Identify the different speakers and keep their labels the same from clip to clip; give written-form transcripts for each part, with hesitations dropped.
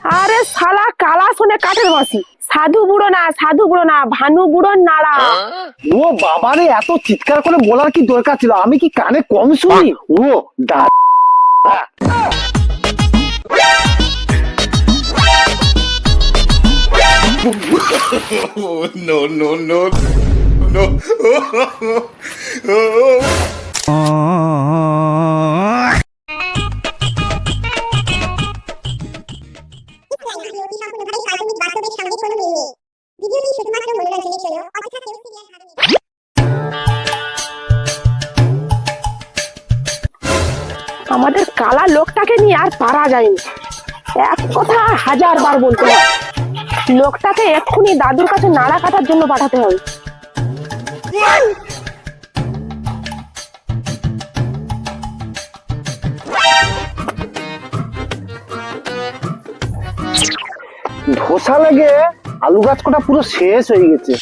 Speaker 1: আরে শালা কালা শুনে কাঠের বসি, সাধু বুড়ো না ভানু বুড়োর নাড়া।
Speaker 2: ও বাবারে, এত চিৎকার করে বলার কি দরকার ছিল? আমি কি কানে কম শুনি? ও দা
Speaker 3: no, no, no, no.
Speaker 1: আমাদের কালা লোকটাকে নিয়ে আর পারা যায়নি। এক কথা 1000 বার বলতে হয়, লোকটাকে এক্ষুনি দাদুর কাছে নাড়া কাটার জন্য পাঠাতে হবে।
Speaker 2: ধোসা লেগে আলু গাছ কটা পুরো শেষ হয়ে গেছে।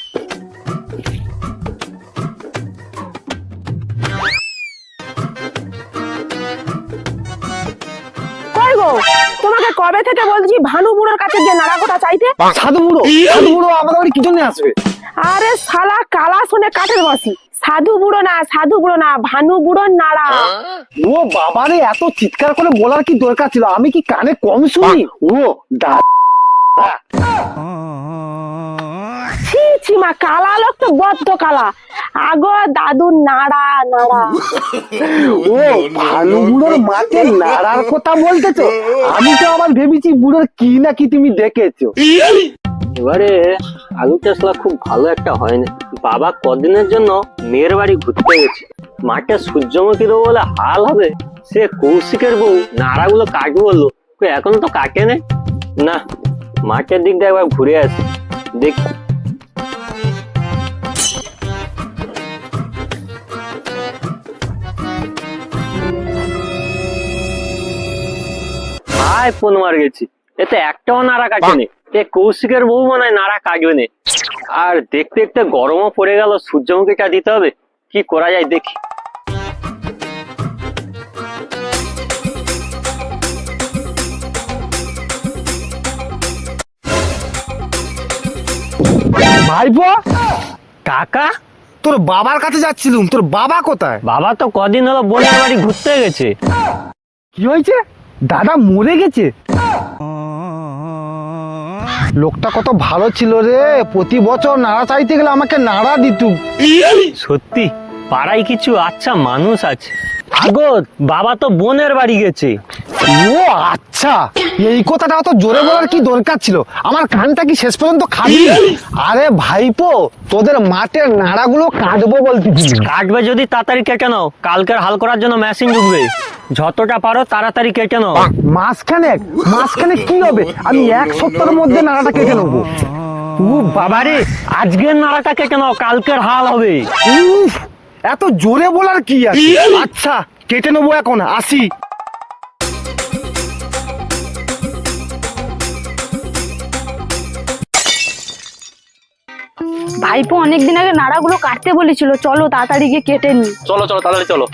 Speaker 1: কই গো, তোমাকে কবে থেকে বলছি ভানু বুড়োর কাছে যে নাড়া কোটা চাইতে?
Speaker 2: সাধু বুড়ো? সাধু বুড়ো আমাদের বাড়ি কি জন্য আসবে?
Speaker 1: আরে শালা কালা শুনে কাঠের বসি, সাধু বুড়ো না ভানু বুড়োর নাড়া।
Speaker 2: ও বাবারে, এত চিৎকার করে বলার কি দরকার ছিল? আমি কি কানে কম শুনি? ও দা
Speaker 1: ছি মা, কালা লোক তো বদ্ধ কালা। আগো দাদুর নাড়া।
Speaker 2: ও ভানু বুড়োর মাকে নাড়ার কথা বলতেছো? আমি তো আবার ভেবেছি বুড়োর কি না কি তুমি দেখেছো।
Speaker 4: এবারে আলু চাষলা খুব ভালো একটা হয়নি। বাবা কদিনের জন্য মেয়ের বাড়ি ঘুরতে গেছে, মাঠে সূর্যমুখী দেবো বলে হাল হবে। সে কৌশিকের বউ নাড়াগুলো কাটবো বললো, এখন তো কাটে নেই। না, মাঠের দিক দিয়ে একবার ঘুরে আসি দেখি। হাই ফোন মার গেছি, এতে একটাও নাড়া কাটেনি। কৌশিকের বউ মনে হয় নাড়া কাটবে না। আর দেখতে দেখতে গরমও পড়ে গেল, সূর্যমুখীটা দিতে হবে। কি করা যায় দেখি।
Speaker 2: ভাইপো,
Speaker 4: কাকা,
Speaker 2: তোর বাবার কাছে যাচ্ছিলুম। তোর বাবা কোথায়?
Speaker 4: বাবা তো কদিন হলো বোনের বাড়ি ঘুরতে গেছে।
Speaker 2: কি হয়েছে? দাদা মরে গেছে? লোকটা কত ভালো ছিল রে, প্রতি বছর নাড়া চাইতে গেলে আমাকে নাড়া দিত।
Speaker 4: সত্যি পাড়ায় কিছু আচ্ছা মানুষ আছে। আগো বাবা তো বোনের বাড়ি গেছে।
Speaker 2: ও আচ্ছা, এই কথাটা অত জোরে বলার কি দরকার ছিল? আমার কানটা কি শেষ পর্যন্ত খাবি? আরে ভাইপো, তোদের মাঠের নাড়াগুলো কাটবো বলতেছি।
Speaker 4: কাটবে যদি তাড়াতাড়ি কেটে নাও, কালকের হাল করার জন্য মেশিন ঢুকবে। যতটা পারো তাড়াতাড়ি কেটে নাও।
Speaker 2: মাসখানেক কি হবে? আমি 1 সপ্তাহের মধ্যে নাড়াটা কেটে নেবো।
Speaker 4: ও বাবারে, আজকের নাড়াটা কেটে নাও, কালকের হাল হবে।
Speaker 2: উফ, এত জোরে বলার কি আছে? আচ্ছা কেটে নেবো, এখন আসি।
Speaker 5: ভাইপো অনেকদিন আগে নাড়াগুলো কাটতে বলেছিল, চলো তাড়াতাড়ি গিয়ে কেটে নি।
Speaker 4: চলো চলো তাড়াতাড়ি চলো।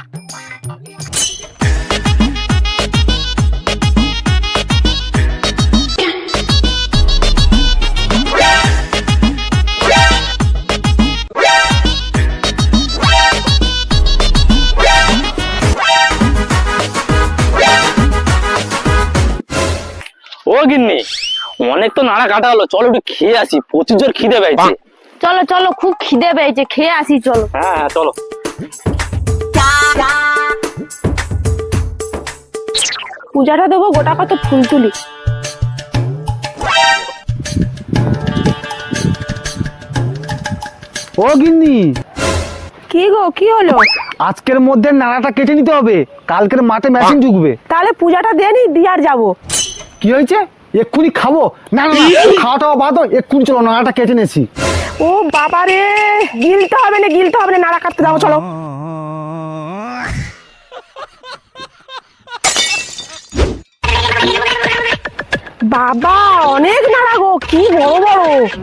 Speaker 4: ও গিন্নি, অনেক তো নাড়া কাটা হলো, চলো একটু খেয়ে আসি, প্রচুর জোর খিদে পেয়েছে।
Speaker 5: চলো চলো, খুব খিদে পেয়েছে, খেয়ে আসি চলো।
Speaker 4: হ্যাঁ হ্যাঁ চলো।
Speaker 1: পূজাটা দেবো, গোটা কত ফুল তুলি।
Speaker 2: ও গিন্নি,
Speaker 1: কি গো, কি হলো?
Speaker 2: আজকের মধ্যে নাড়াটা কেটে নিতে হবে, কালকের মাঠে মেশিন ঢুকবে।
Speaker 1: তাহলে পূজাটা দিয়ে নি, দিয়ে আর যাবো।
Speaker 2: কি হয়েছে? এক্ষুনি খাবো? না না, খাওয়াটা বাদ, এক্ষুনি চলো নাড়াটা কেটে নেছি।
Speaker 1: ও বাবা রে, গিলতে হবে না, নাড়া কাটতে যাবো, চলো। বাবা অনেক নাড়া গো, কি বড় বড়।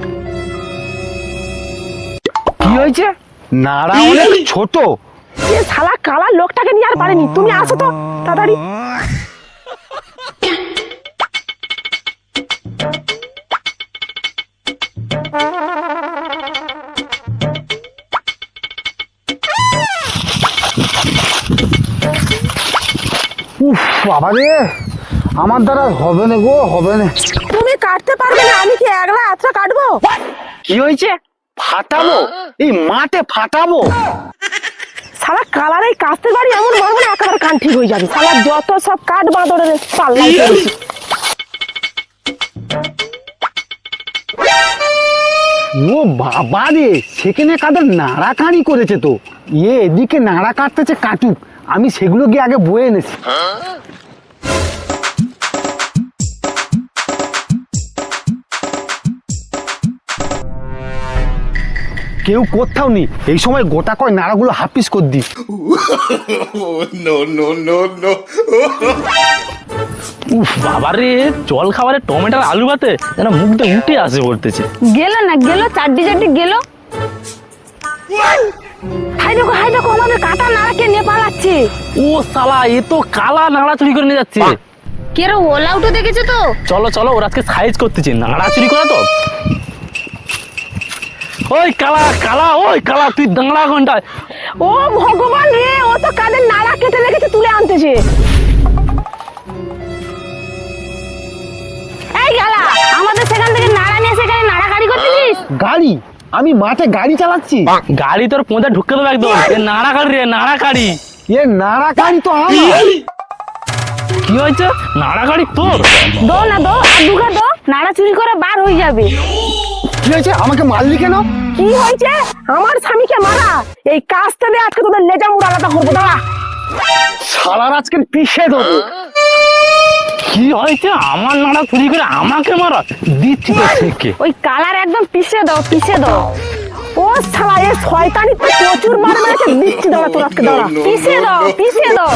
Speaker 2: কি হয়েছে? নাড়া অনেক ছোট।
Speaker 1: এ শালা কালা লোকটাকে নিয়ে আর পারেনি, তুমি আসো তো তাড়াতাড়ি।
Speaker 2: বাবা রে, আমার দ্বারা হবে না গো, হবে না।
Speaker 1: তুমি কাটতে পারবে না, আমি কি একলা আচ্ছা কাটবো?
Speaker 2: কি হয়েছে? ফাটাবো? এই মাঠে ফাটাবো?
Speaker 1: শালা কালার এই কাস্তে বাড়ি এমন মারবো না একেবারে কান ঠিক হয়ে যাবে। শালা যত সব কাঠ বাঁদরের পাল্লাই করেছি।
Speaker 2: ও বাবা রে, সেখানে কাদের নাড়া কাড়ি করেছে তো। এদিকে নাড়া কাটতেছে, কাটুক, আমি সেগুলো গিয়ে আগে বয়ে এনেছি। কেউ কোথাও নেই, এই সময় গোটা কয় নাড়াগুলো হাফিস করে দি।
Speaker 3: no, no, no, no.
Speaker 6: উফ বাবারে, জল খাবারে টমেটোর আলু ভাতে যেন মুখটা উঠে আসে বলতেছে।
Speaker 5: গেল না গেল, চারটি চারটি গেল।
Speaker 1: হাই দেখো আমাদের কাটা নাড়াকে নিয়ে পালাচ্ছে।
Speaker 6: ও শালা, এ তো কালা নাড়া চুরি করে নিয়ে যাচ্ছে।
Speaker 5: কেরো ওলা উঠে দেখেছো তো?
Speaker 6: চলো চলো, ওরা আজকে সাইজ করতেছে, নাড়া চুরি করা তো। ওই কালা কালা, ওই কালা, তুই দাঁড়া ঘন্টায়।
Speaker 1: ও ভগবান রে, ও তো কাদের নাড়া কেটে রেখেছে, তুলে আনতেছে।
Speaker 5: এই গালা, আমাদের সেখান থেকে নাড়া নিয়ে সেখানে নাড়া গাড়ি করতেছিস?
Speaker 2: গাড়ি? আমি মাঠে গাড়ি চালাচ্ছি?
Speaker 6: গাড়ি তোর পোঁতে ঢুকে দেবো একদম। এ নাড়া কাড়ি রে, নাড়া কাড়ি।
Speaker 2: এ নাড়া গাড়ি তো আমার।
Speaker 6: কি হয়েছে? নাড়া গাড়ি তোর?
Speaker 5: দো না দো, আর দুগা দো, নাড়া চুরি করে বার হয়ে যাবে।
Speaker 2: কি হয়েছে? আমাকে মারলি কেন?
Speaker 1: কি হয়েছে? আমার স্বামীকে মারা। এই কাজটা দিয়ে আজকে তোদের লেজা মুড় আলাদা করবো, দাঁড়া।
Speaker 2: সারা আজকে পিষে দেবো।
Speaker 6: কি হয়েছে? আমার নাড়া চুরি করে আমাকে মারা দিচ্ছি তো থেকে।
Speaker 5: ওই কালার একদম পিষে দাও, পিষে দাও।
Speaker 1: ও শালা, এ শয়তানি তো প্রচুর মার মেরেছে, দিচ্ছি দাঁড়া তোর আজকে, দাঁড়া।
Speaker 5: পিষে দাও, পিষে দাও।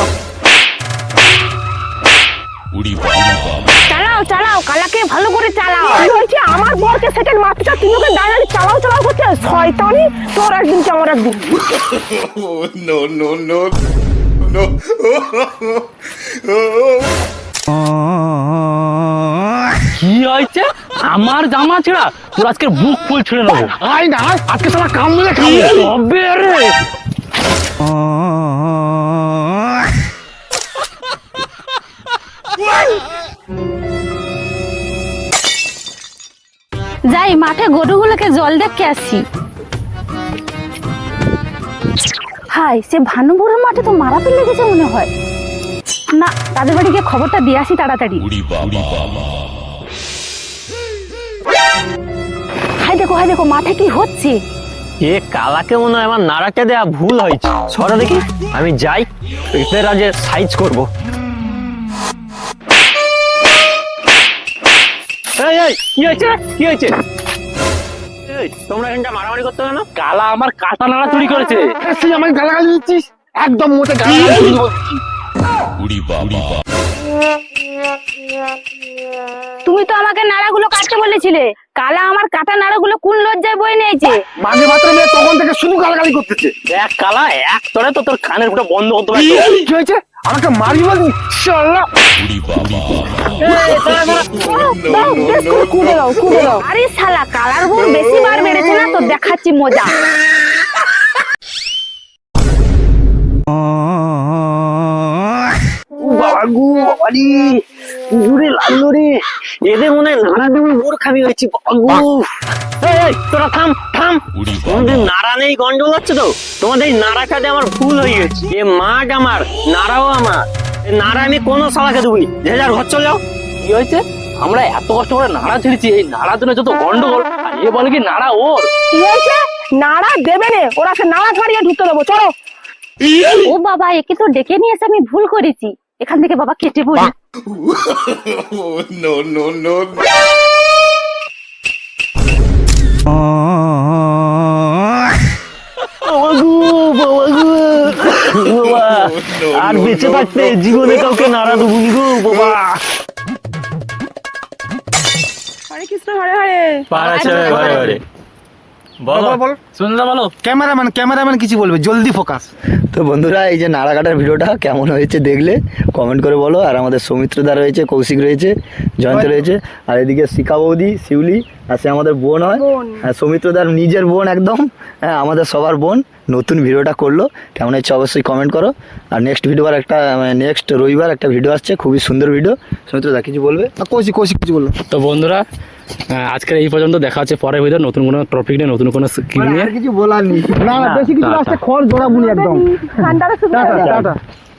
Speaker 5: চালাও চালাও, কালাকে ভালো করে চালাও।
Speaker 1: কি হয়েছে? আমার বরকে সেকেন্ড মারতে চাও, তুমি ওকে দাঁড়ালি চালাও করছে। শয়তানি, তোর একদিন কি আমার একদিন।
Speaker 3: no, no, no, no.
Speaker 6: কি হয়েছে? আমার জামা ছেঁড়া, তোর আজকে বুক ফুল ছেড়ে নেবো।
Speaker 2: আয় না, আজকে সারা কাম মিলে খাবো।
Speaker 6: তবে রে,
Speaker 5: যাই মাঠে গরুগুলোকে জল দেখে আসি। হাই, সে ভানুপুরের মাঠে তো মারাপিট লেগেছে মনে হয়। না, তাদের বাড়ি গিয়ে খবরটা দিয়ে আসি তাড়াতাড়ি। হাই দেখো মাঠে কি হচ্ছে।
Speaker 4: এ কালাকে মনে হয় আমার নাড়াকে দেয়া ভুল হয়েছে। সরো দেখি, আমি যাই, এদের আজ সাইজ করবো। এই, এই, কি হয়েছে? কি হয়েছে? এই, তোমরা এখানটা মারামারি করতে কেন?
Speaker 6: কালা আমার কাটা নাড়া চুরি করেছে।
Speaker 2: তুই আমাকে গালাগালি দিচ্ছিস? একদম মোটে গালাগালি দিবি না।
Speaker 5: তুমি তো আমাকে নাড়াগুলো কাটতে বলেছিলে। কালা আমার কাটা নাড়াগুলো কোন লজ্জায় বয়ে নিয়েছে।
Speaker 2: মাঝে মাত্র মেয়ে তখন থেকে শুধু গালাগালি করতেছে।
Speaker 6: দেখ কালা, এক তরে তো তোর কানের ফুটা বন্ধ করতে পারতো।
Speaker 2: কি হয়েছে? আমাকে মারি বলবি? শালা,
Speaker 1: দাও, বেশ করে কুড়ে দাও।
Speaker 5: আরে শালা, কালার বউ বেশি বার বেড়েছে না, তো দেখাচ্ছি মজা।
Speaker 4: বাবু বাবারি, ঘুরে লাগলো রে। এদের মনে হয় নাড়া দেবো বোর খাবি হয়েছে। বাবু, এই, তোরা থাম থাম। তোমাদের নাড়া নেই, গন্ডগোল হচ্ছে তো। তোমাদের এই নাড়া খাতে আমার ভুল হয়ে গেছে। এ মাঠ আমার, নাড়াও আমার। এ নাড়া আমি কোনো শালাকে দেবনি। যে যার ঘর চল যাও।
Speaker 6: কি হয়েছে? আমরা এত কষ্ট করে নাড়া ছেড়েছি, এই নাড়ার জন্য যত গন্ডগোল। আর এ বলে কি নাড়া ওর।
Speaker 1: কি হয়েছে? নাড়া দেবে নে, ওরা সে নাড়া ছাড়িয়ে ঢুকতে দেবো, চলো।
Speaker 5: ও বাবা, একে তো ডেকে নিয়ে এসে আমি ভুল করেছি। এখান থেকে বাবা কেটে পড়ি।
Speaker 3: no, no, no.
Speaker 4: আর বেঁচে থাকতে জীবনে কাউকে নাড়া দেবো গো বাবা।
Speaker 1: হরে কৃষ্ণ, হরে হরে।
Speaker 6: ঘরে ঘরে বলো
Speaker 2: বলো।
Speaker 6: শুনলে বলো।
Speaker 2: ক্যামেরাম্যান কিছু বলবে, জলদি ফোকাস।
Speaker 7: তো বন্ধুরা, এই যে নাড়া কাটার ভিডিওটা কেমন হয়েছে দেখলে কমেন্ট করে বলো। আর আমাদের সৌমিত্রদা রয়েছে, কৌশিক রয়েছে, জয়ন্ত রয়েছে, আর এদিকে শিখা বৌদি, শিউলি, আর সে আমাদের বোন হয়। হ্যাঁ, সৌমিত্রদার নিজের বোন একদম। হ্যাঁ, আমাদের সবার বোন। নতুন ভিডিওটা করলো, কেমন হচ্ছে অবশ্যই কমেন্ট করো। আর নেক্সট রবিবার একটা ভিডিও আসছে, খুবই সুন্দর ভিডিও। সৌমিত্রদা কিছু বলবে?
Speaker 2: কৌশিক কিছু বললো।
Speaker 6: তো বন্ধুরা, আজকের এই পর্যন্ত, দেখা হচ্ছে পরের ভিডিও নতুন কোনো টপিক নিয়ে, নতুন কোনো স্কিল নিয়ে।
Speaker 2: আর কিছু বলার নেই। না বেশি কিছু আসতে খড় জোড়াবুনি একদম।
Speaker 1: ঠান্ডাটা শুরু হয়ে
Speaker 2: টাটা
Speaker 1: গেছে।
Speaker 2: টাটা।